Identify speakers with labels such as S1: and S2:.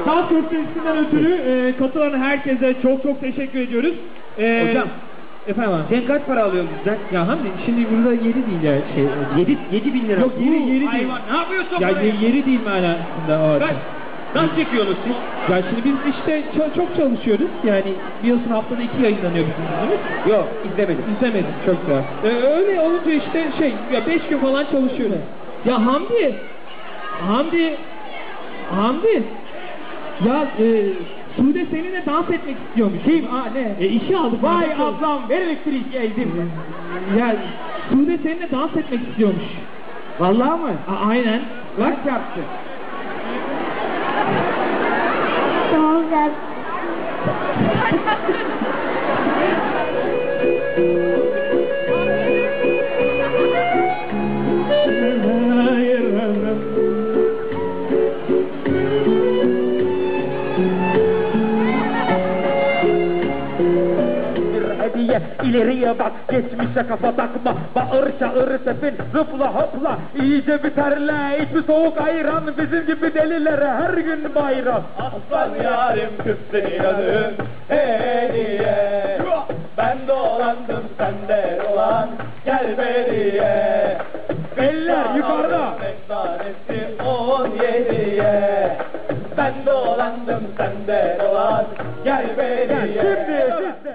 S1: Kaz Köftesi'nden ötürü katılan herkese çok teşekkür ediyoruz.
S2: Hocam.
S1: Efendim abi.
S2: Sen kaç para alıyorsun bizden?
S1: Ya Hamdi şimdi burada yeri değil ya.
S2: 7 bin lira.
S1: Yok yeri değil.
S2: Hayvan ne yapıyorsun
S1: ya
S2: buraya?
S1: yeri değil manasında o.
S2: Nasıl çekiyorsunuz siz?
S1: Ya şimdi biz işte çok çalışıyoruz. Yani biliyorsun haftada 2 yayınlanıyor bizim dizimiz.
S2: Yok izlemedim.
S1: İzlemedim çok güzel. Öyle olunca işte ya 5 gün falan çalışıyoruz. Ya Hamdi. Ya Sude seninle dans etmek istiyormuş.
S2: Kim? Ne?
S1: İşi aldık.
S2: Vay ablam ver elektriği ezdim.
S1: Ya Sude seninle dans etmek istiyormuş.
S2: Vallahi mı?
S1: Aynen.
S2: Bak yaptı.
S3: Tamam ben.
S4: İleriye bak, geçmişe kafa takma. Bağır çağır tepin, zıpla hopla. İyice biterle, içi soğuk ayran. Bizim gibi delilere her gün bayram.
S5: Aslan yarim kız seni adım hediye. Ben dolandım sende dolan gel beriye.
S4: Eller yukarıda.
S5: Efsanesi 17'ye. Ben dolandım sende dolan gel beriye.
S4: Şimdi siz